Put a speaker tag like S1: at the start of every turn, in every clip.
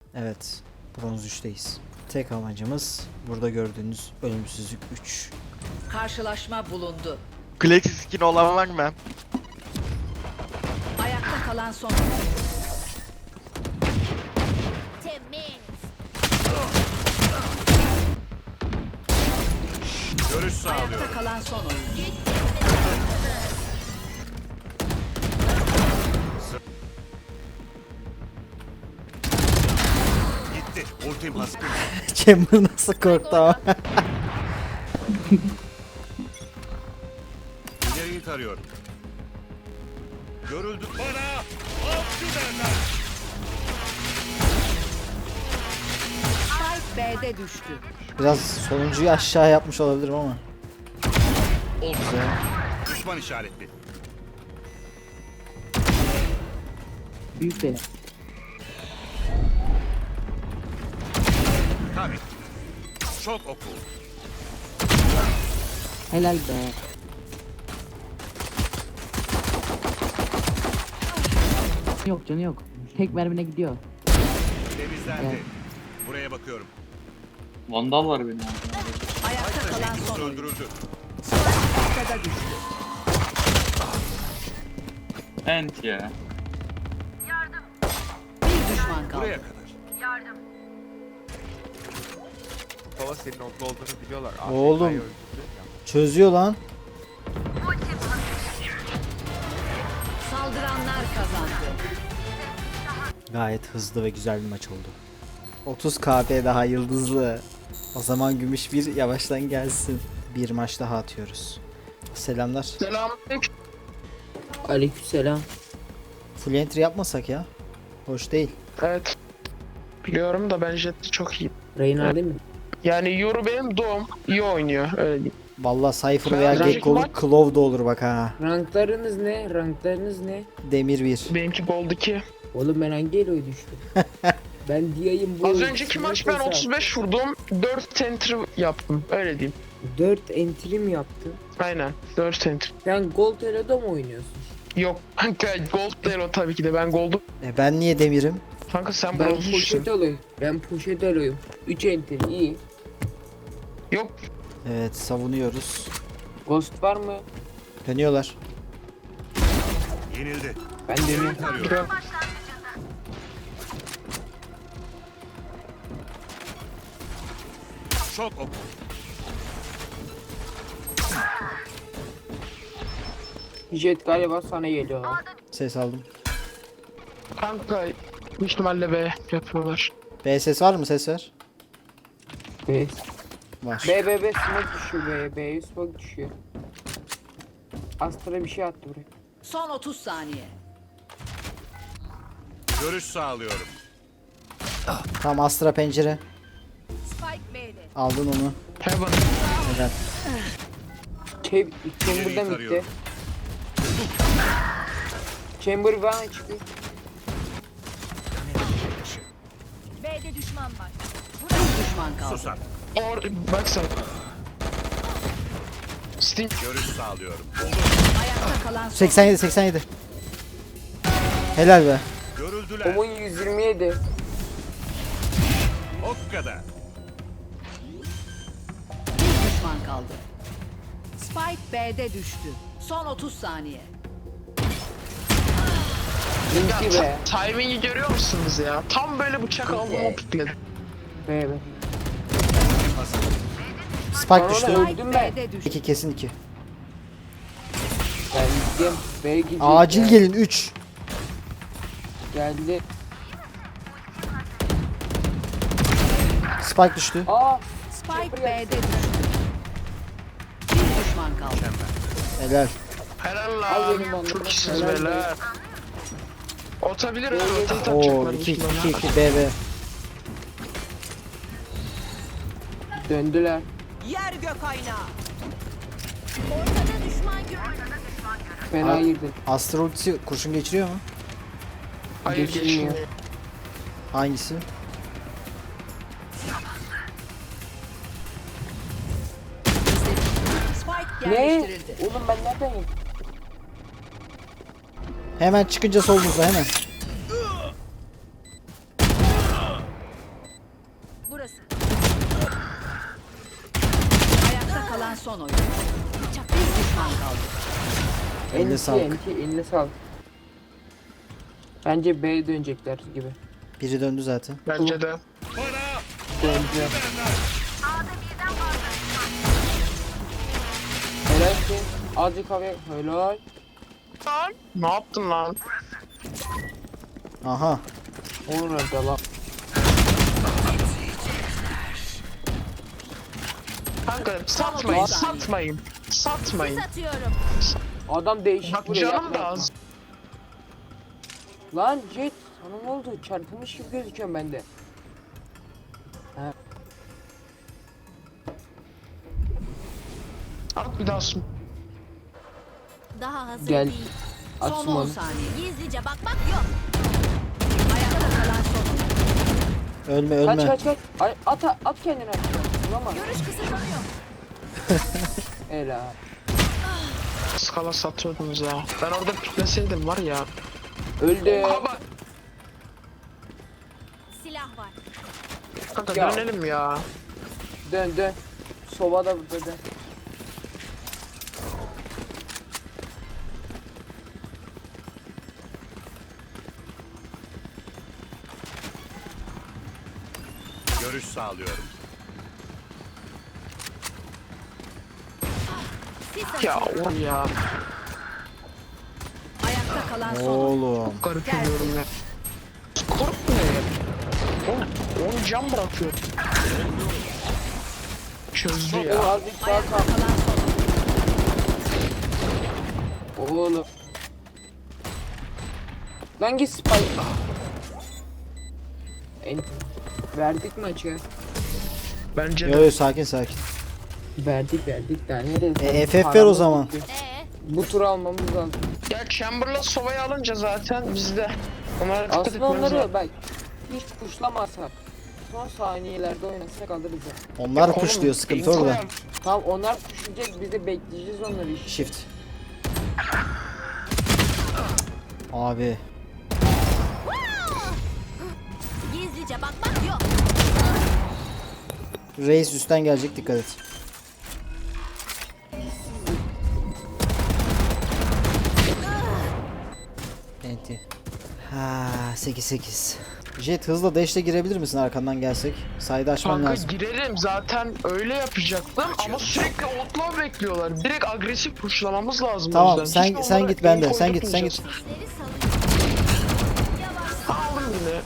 S1: Evet. Bronz 3'teyiz. Tek amacımız burada gördüğünüz ölümsüzlük 3.
S2: Karşılaşma bulundu.
S3: Klexi skin olan var mı?
S2: Ayakta kalan son.
S4: Görüş sağlıyorum.
S2: Ayakta kalan son oyuncu.
S4: Gitti. Ultim hazır.
S1: Chamber nasıl korktu ama.
S4: İleriyi tarıyorum. Görüldü. Bana avcı derler.
S2: Spike B'de düştü.
S1: Biraz sonuncuyu aşağı yapmış olabilirim ama.
S4: Oldu.
S1: Güzel.
S4: Düşman işaretli.
S5: Büyük de.
S4: Tabii. Çok oku.
S5: Helal be. Yok canı yok. Tek mermine gidiyor.
S4: Temizlendi.
S5: Evet.
S4: Buraya bakıyorum.
S6: Vandal var benim.
S2: Ayakta kalan son oyuncu.
S4: Öldürüldü.
S2: Ortada düştü.
S6: Ent ya.
S2: Bir düşman kaldı.
S4: Buraya kadar.
S3: Baba senin oklu olduğunu biliyorlar.
S1: Oğlum.
S3: AFK'yı öldürdü ya.
S1: Çözüyor lan.
S2: Saldıranlar kazandı.
S1: Gayet hızlı ve güzel bir maç oldu. 30 KP daha yıldızlı. O zaman gümüş bir yavaştan gelsin. Bir maç daha atıyoruz. Selamlar.
S7: Selamünaleyküm.
S5: Aleykümselam.
S1: Full entry yapmasak ya. Hoş değil.
S7: Evet. Biliyorum da ben Jet'te çok iyi.
S5: Reyna değil mi?
S7: Yani Yoru benim doğum. İyi oynuyor öyle diyeyim.
S1: Vallahi Cypher
S7: Ben
S1: veya
S7: Dragon
S1: Gekko'lu
S7: Ball-
S1: Claw da olur bak ha.
S5: Ranklarınız ne? Ranklarınız ne?
S1: Demir 1.
S7: Benimki Gold 2.
S5: Oğlum ben hangi eloya düştüm? Ben diyeyim bu.
S7: Az önceki maç ben 35 vurdum. 4 center yaptım. Öyle diyeyim.
S5: 4 entry mi yaptın?
S7: Aynen. 4 center.
S5: Sen Gold Elo'da mı oynuyorsun?
S7: Yok. Kanka Gold değil o tabii ki de. Ben Gold'um.
S1: Ben niye demirim?
S7: Kanka sen
S5: Ben
S7: bronzuşsun.
S5: poşet Elo'yum. Ben poşet Elo'yum. 3 entry iyi.
S7: Yok.
S1: Evet, savunuyoruz.
S5: Ghost var mı?
S1: Dönüyorlar.
S4: Yenildi.
S5: Ben
S4: İleriyi
S5: dönüyorum.
S4: tarıyorum. Çok oku.
S5: Jet galiba sana geliyor.
S1: Ses aldım.
S7: Kanka büyük ihtimalle B yapıyorlar.
S1: B ses var mı? Ses ver.
S5: B.
S1: Var.
S5: B smoke düşüyor B. B smoke düşüyor. Astra bir şey attı buraya.
S2: Son 30 saniye.
S4: Görüş sağlıyorum.
S1: Tam Astra pencere.
S2: Spike B'de.
S1: Aldın onu.
S7: Heaven.
S1: Neden?
S5: Chamber'da mı gitti?
S4: tarıyorum.
S5: Chamber bana çıkıyor.
S2: B'de düşman var. Bir düşman kaldı.
S4: Susar.
S7: Or bak sen. Sting.
S4: Görüş sağlıyorum.
S2: Ayakta kalan son.
S1: 87 87. Helal be.
S4: Görüldüler.
S5: Omun 127.
S4: O kadar.
S2: Bir düşman kaldı. Spike B'de düştü. Son 30 saniye.
S5: Linki be.
S7: Timing'i görüyor musunuz ya? Tam böyle bıçak aldım o pikledim.
S5: B.
S1: Spike düştü.
S5: Öldüm ben.
S2: B'de düştü.
S1: 2 kesin 2.
S5: Ben gideceğim. B gidecek.
S1: Acil
S5: ya.
S1: gelin 3.
S5: Geldi.
S1: Spike düştü.
S5: Aa.
S2: Spike B'de düştü. Bir düşman kaldı.
S1: Helal.
S7: Helal
S5: Al benim
S7: lan.
S5: onu.
S7: Çok iyisiniz
S5: Helal
S7: beyler. Otabilir ha.
S5: Evet.
S7: Rotate
S1: Oo
S7: atacaklar.
S1: 2 2 2 B B.
S5: Döndüler.
S2: Yer gök aynağı.
S5: Fena
S1: Aa.
S5: girdi.
S1: Astra ultisi kurşun geçiriyor mu?
S7: Hayır
S5: Geçilmiyor.
S7: geçmiyor.
S1: Hangisi?
S2: Spike
S5: Ne?
S2: yerleştirildi.
S5: Oğlum ben nereden yedim?
S1: Hemen çıkınca solunuzda hemen.
S2: Burası. Ayakta kalan son oyun. Bir düşman kaldı.
S1: Eline sağlık.
S5: Eline sağlık. Bence B'ye dönecekler gibi.
S1: Biri döndü zaten.
S7: Bence de.
S5: Döndü. Helal ki. Azıcık havaya. Helal.
S7: Lan ne yaptın lan?
S1: Aha.
S5: Onun önce lan.
S7: Kanka satmayın. Satmayın.
S5: Adam değişik
S7: Bak
S5: buraya
S7: canım
S5: yapma,
S7: da
S5: yapma.
S7: az.
S5: Lan Jet sana ne oldu? Çarpılmış gibi gözüküyorum ben de.
S7: At bir daha sun.
S8: Daha hazır
S5: Gel.
S8: değil.
S5: At
S2: Son 10
S5: Summon'u.
S2: saniye.
S8: Gizlice bakmak yok.
S2: Ayakta kalan son oyun.
S1: Ölme ölme.
S5: Kaç. Ay, at kendini aşağı. Vurama.
S8: Görüş kısıtlanıyor.
S5: Helal.
S7: Skala satıyordunuz ya. Ben orada pikleseydim var ya.
S5: Öldü.
S7: Aha bak.
S8: Silah var.
S7: Kanka
S5: Ya.
S7: dönelim ya.
S5: Dön. Sova da burada dön.
S4: Görüş sağlıyorum.
S8: Sis
S7: Ya
S8: atıyorum.
S7: oğlum ya.
S2: Ayakta kalan son oyun.
S1: Oğlum.
S7: Garip ediyorum ya. Korkma ya. Oğlum 10 can bırakıyor. Çözdü
S5: O
S7: ya.
S5: azıcık daha
S2: Ayakta
S5: kal.
S2: kalan son oyun.
S5: Oğlum. Lan git Spike. Verdik maçı.
S7: Bence
S1: Yo
S7: de.
S1: yo sakin sakin.
S5: Verdik daha nereye?
S1: FF ver o
S5: Paramız
S1: zaman.
S5: bitti.
S8: Ee,
S5: Bu turu almamız lazım.
S7: Ya Chamberlain Sova'yı alınca zaten bizde. Onlara dikkat
S5: Aslında
S7: etmemiz lazım.
S5: onları bak hiç kuşlamasak son saniyelerde oynasak alırız ya.
S1: Onlar
S7: Oğlum,
S1: kuşluyor sıkıntı
S7: info
S1: orada.
S7: yap.
S5: Tamam onlar kuşlayacak biz de bekleyeceğiz onları işte.
S1: Shift. Abi.
S8: gizlice bakmak yok.
S1: Reis üstten gelecek dikkat et. Enti. Ha 8-8. Jet hızla dash'le girebilir misin arkandan gelsek? Sayda açman
S7: Kanka
S1: lazım.
S7: girelim zaten öyle yapacaktım ama sürekli outlaw bekliyorlar. Direkt agresif pushlamamız lazım. o
S1: Tamam
S7: yüzden. Hiç
S1: sen
S7: onlara
S1: git bende.
S7: info
S1: Sen git.
S8: Sisleri salıyorum.
S7: Aldım yine.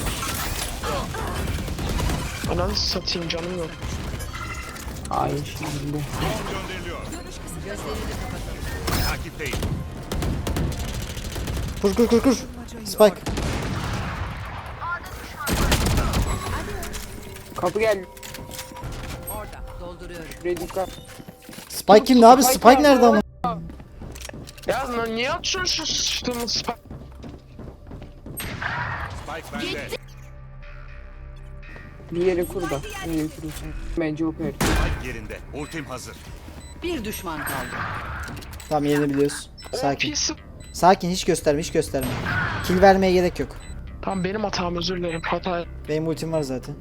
S7: Ananı satayım canım yok.
S5: Hayır şimdi.
S4: Drone gönderiliyor. Takipteyim.
S1: Kur. Spike.
S5: Kapı geldi.
S2: Orada. Dolduruyorum.
S5: Şuraya dikkat.
S1: Spike kim ne abi? Spike nerede ama?
S7: Ya niye atıyorsun şu sıçtığımız spike?
S4: Spike bende.
S5: Bir yere kur da. Nereye kuruyorsun? Bence operatör.
S4: Spike yerinde. Ultim hazır.
S2: Bir düşman kaldı.
S1: Tamam yerini biliyoruz. Sakin.
S7: Sakin.
S1: Sakin hiç gösterme. Kill vermeye gerek yok.
S7: Tamam benim hatam özür dilerim. Hata.
S1: Benim ultim var zaten.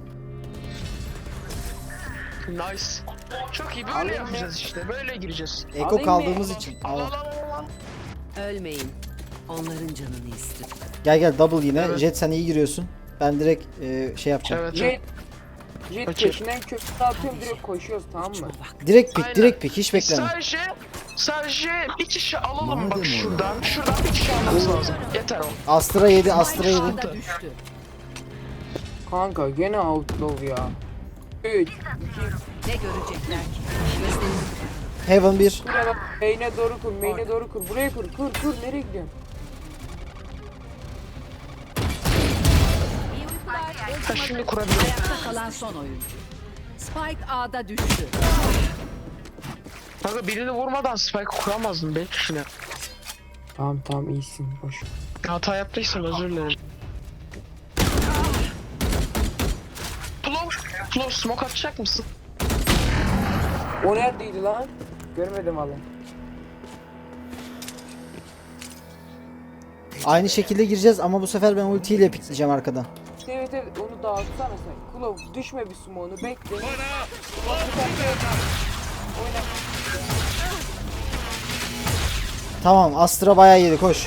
S7: Nice. Çok iyi böyle yapacağız işte. Böyle gireceğiz.
S1: Eko
S5: Alayım
S1: kaldığımız
S5: mı?
S1: için.
S7: Al
S1: Al.
S7: al al al.
S2: Ölmeyin. Onların canını istiyor.
S1: Gel double yine.
S7: Evet.
S1: Jet sen iyi giriyorsun. Ben direkt şey yapacağım.
S7: Evet.
S5: Jet
S7: Okey.
S5: peşinden köprü atıyorum direkt koşuyoruz tamam mı?
S1: Direkt
S7: Aynen.
S1: pick hiç bekleme.
S7: Sadece bir kişi alalım bak şuradan. Şuradan bir kişi almamız lazım. Yeter o.
S1: Astra yedi.
S2: Ağda düştü.
S5: Kanka gene outlaw ya. 3 2
S2: Ne görecekler ki? Gözlerini
S1: Heaven 1.
S5: Buraya bak. Main'e doğru kur. Buraya kur. Kur. Nereye gidiyorsun?
S8: İyi uykular.
S7: Ha şimdi kurabilirim.
S2: ayakta kalan son oyuncu. Spike A'da düştü.
S7: Kanka birini vurmadan spike kuramazdım belki kişine.
S5: Tamam iyisin. Boş.
S7: Hata yaptıysam özür dilerim. Flow smoke atacak mısın?
S5: O neredeydi lan? Görmedim valla.
S1: Aynı şekilde gireceğiz ama bu sefer ben ultiyle pikleyeceğim arkadan.
S5: Evet evet onu dağıtsana sen. Klov düşme bir smoke'unu bekle.
S4: Bana
S1: Tamam, Astra bayağı yedi, koş.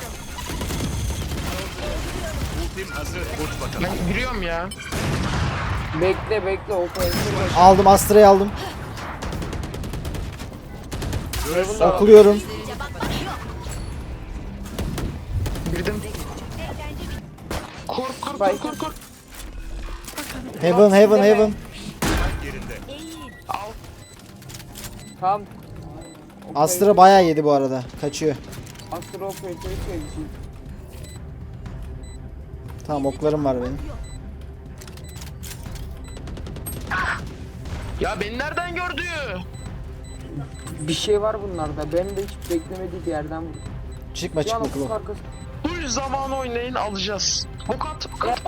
S4: ultim hazır. Uç bakalım.
S7: Ben giriyorum ya.
S5: Bekle operatör başı.
S1: Aldım, Astra'yı aldım.
S4: Görüş
S5: Heaven'da var.
S1: Okuluyorum.
S8: Gizlice bakmak yok.
S7: Girdim.
S8: Eğlence bitti.
S7: Kur.
S1: Heaven.
S4: yerinde.
S8: Eğil.
S5: Tamam.
S1: Astra bayağı yedi bu arada. Kaçıyor.
S5: Astra operatörü söyleyeceğim.
S1: Tamam, oklarım var benim.
S7: Ya beni nereden gördü?
S5: Bir şey var bunlarda. Benim de hiç beklemediği bir yerden vurdu.
S1: Çıkma
S5: Yan
S1: çıkma
S5: otuz
S1: Klov.
S5: arkası.
S7: Bu zaman oynayın alacağız. Ok at.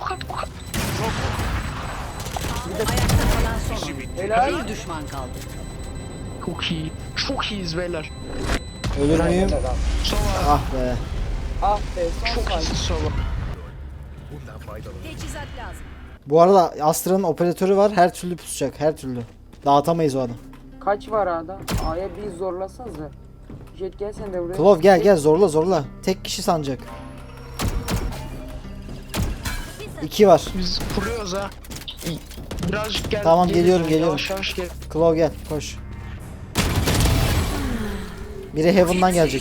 S2: Ayakta kalan son oyuncu.
S5: Helal.
S2: Bir düşman kaldı.
S7: Çok iyi. Çok iyiyiz beyler.
S1: Ölür müyüm?
S7: Sova.
S1: Ah be.
S5: Ah be son
S7: Çok
S5: sayı.
S7: iyisin Sova.
S8: Teçhizat lazım.
S1: Bu arada Astra'nın operatörü var. Her türlü pusacak. Her türlü. Dağıtamayız o adam.
S5: Kaç var adam? A'ya bir zorlasanıza. Jet gel sen de buraya.
S1: Klov gel zorla. Tek kişi sanacak. 2 var.
S7: Biz kuruyoruz ha. Birazcık gel.
S1: Tamam, geliyorum.
S7: Yavaş yavaş gel.
S1: Klov gel, koş. Biri Heaven'dan gelecek.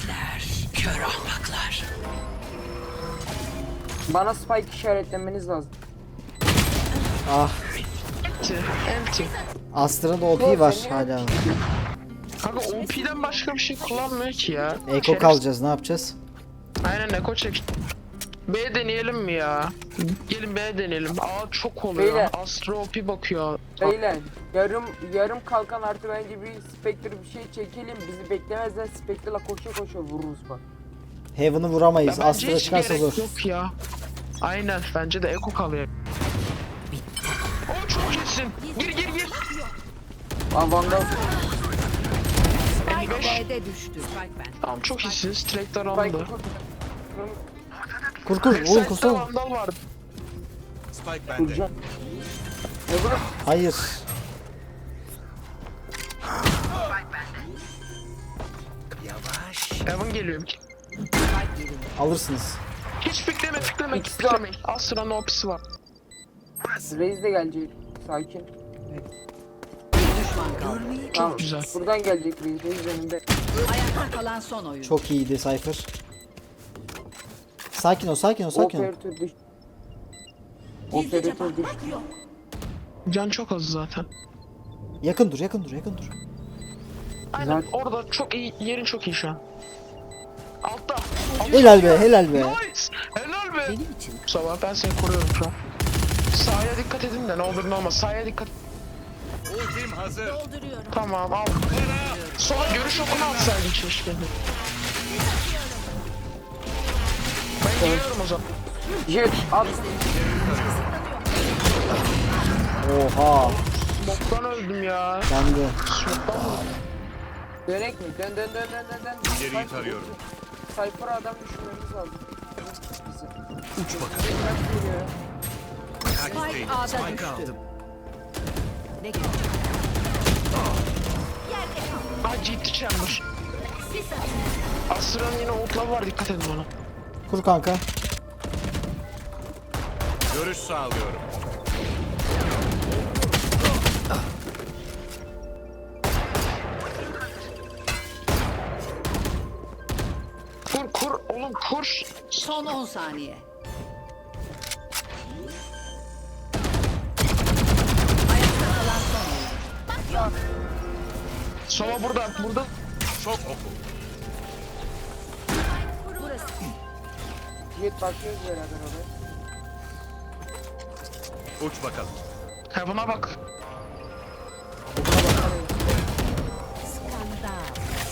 S5: Bana spike işaretlemeniz lazım.
S1: Ah,
S7: Empty.
S1: Astra'nın OP var hala.
S7: Kanka OP'den başka bir şey kullanmıyor ki ya.
S1: Eko kalacağız, ne yapacağız?
S7: Aynen Eko çek. B deneyelim mi ya? Gelin B deneyelim. A çok oluyor.
S5: Beyler.
S7: Astra OP bakıyor.
S5: Beyler yarım kalkan artı bence bir Spectre bir şey çekelim. Bizi beklemezler Spectre'la koşa vururuz bak.
S1: Heaven'ı vuramayız.
S7: Ya bence
S1: Astra
S7: hiç
S1: çıkarsa
S7: gerek
S1: zor.
S7: yok ya. Aynen bence de Eko kalıyor. O çok iyisin. Gir.
S5: Aa Vandal.
S2: Spike
S7: 55.
S2: B'de düştü. Spike ben.
S7: Tamam çok iyisiniz. Track'ten
S5: Spike
S7: alındı.
S1: Kur oğlum,
S7: Backside'da
S1: kursana.
S7: Vandal vardı.
S4: Spike bende.
S5: Kurcan. Ne bu?
S1: Hayır.
S7: Evan geliyor.
S1: Alırsınız.
S7: Hiç bekleme.
S5: İkisi de-
S7: Beklemeyin. Astra'nın OP'si var.
S5: Reis de gelecek. Sakin.
S2: Bir düşman kaldı.
S5: Tamam.
S7: güzel.
S5: Buradan gelecek Reis önünde.
S2: Ayakta kalan son oyuncu.
S1: Çok iyiydi Cypher. Sakin ol.
S5: Operatör düş.
S8: Gizlice
S5: Operatör
S8: bakmak
S5: düştü.
S8: yok.
S7: Can çok az zaten.
S1: Yakın dur.
S7: Aynen
S5: Güzel.
S7: orada çok iyi. Yerin çok iyi şu an. Altta.
S1: Helal be.
S7: Nice. Helal be.
S2: Benim için.
S7: Sabah ben seni koruyorum şu an. Sağa dikkat edin de ne olur ne olmaz. Sağa dikkat.
S4: Ultim hazır.
S8: Dolduruyorum.
S7: Tamam al. Sola görüş okunu atsaydın keşke. Ben geliyorum o zaman.
S5: Jet at.
S1: Oha.
S7: Smoke'dan öldüm ya.
S1: Ben de.
S7: Smoke'dan mı?
S5: Dönek mi? Dön.
S4: İleriyi tarıyorum.
S5: Cypher'a adam düşürmemiz lazım. Bizi.
S4: Uç bakalım.
S2: Spike A'da düştü.
S4: aldım.
S2: Ne görecek?
S8: Yerde kal.
S7: Aa GT Chamber.
S8: Sis atın.
S7: Astra'nın yine ultları var dikkat edin ona.
S1: Kur kanka.
S4: Görüş sağlıyorum.
S7: Kur oğlum kur.
S2: Son 10 saniye. Ayakta kalan son oyuncu.
S7: Sova burada.
S4: Çok oku.
S8: Burası.
S5: Jet bakıyoruz beraber oraya.
S4: Uç bakalım.
S7: Heaven'a bak.
S8: Skandal.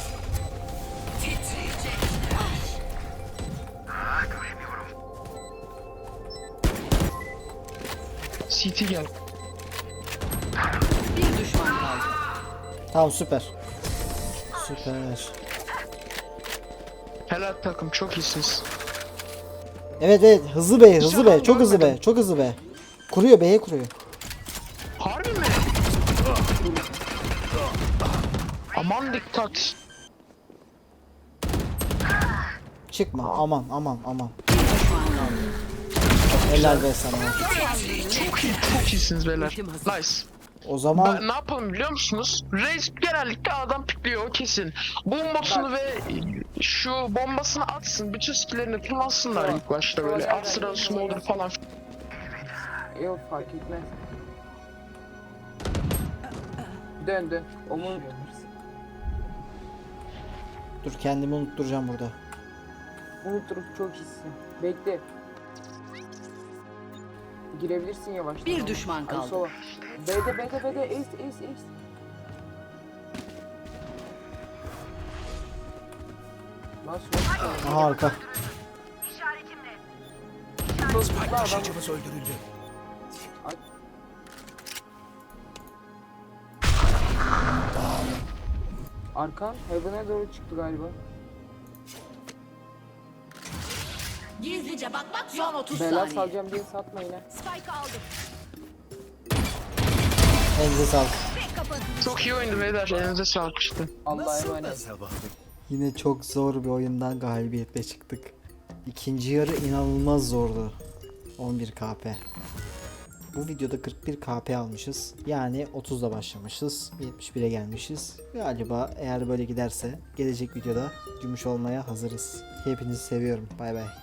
S7: CT gel.
S2: Bir düşman kaldı.
S1: Tamam, süper.
S7: Helal takım çok iyisiniz.
S1: Evet evet, hızlı be, hızlı
S7: Hiç
S1: be,
S7: adam
S1: çok hızlı be,
S7: görmedim.
S1: çok hızlı be. Kuruyor, B'ye kuruyor.
S7: Harbi mi? Aman dikkat.
S1: Çıkma, aman aman aman.
S2: Bir düşman kaldı.
S1: Helal be sana.
S7: Çok iyisiniz beyler. Nice.
S1: O zaman
S7: Ne yapalım biliyor musunuz? Reis genellikle adam pikliyor o kesin. Bombasını ve şu bombasını atsın. Bütün skillerini kullansınlar ilk başta böyle. Astra, smolder falan.
S5: Yok fark etmez. Dön dön. Onun
S1: dur, kendimi unutturacağım burada.
S5: unuturum, çok iyisin. Bekle. Girebilirsin yavaştan.
S2: Bir düşman
S5: Hadi
S2: kaldı.
S5: sola. B'de ace. Nasıl?
S1: Aha, arka.
S4: Taşıyıcımız öldürüldü.
S5: Arkan Heaven'a doğru çıktı galiba.
S8: Gizlice bakmak
S2: Son
S8: yok.
S2: 30
S5: Bela
S2: saniye.
S5: salacağım diye satmayın ha.
S8: Spike aldım.
S1: Elinize sağlık.
S8: Ve kapatın.
S7: Çok iyi oyundu beyler. Elinize sağlık işte.
S5: Allah'a emanet.
S4: Sabah.
S1: Yine çok zor bir oyundan galibiyetle çıktık. İkinci yarı inanılmaz zordu. 11 KP. Bu videoda 41 KP almışız. Yani 30'da başlamışız. 71'e gelmişiz. Galiba eğer böyle giderse gelecek videoda gümüş olmaya hazırız. Hepinizi seviyorum. Bay bay.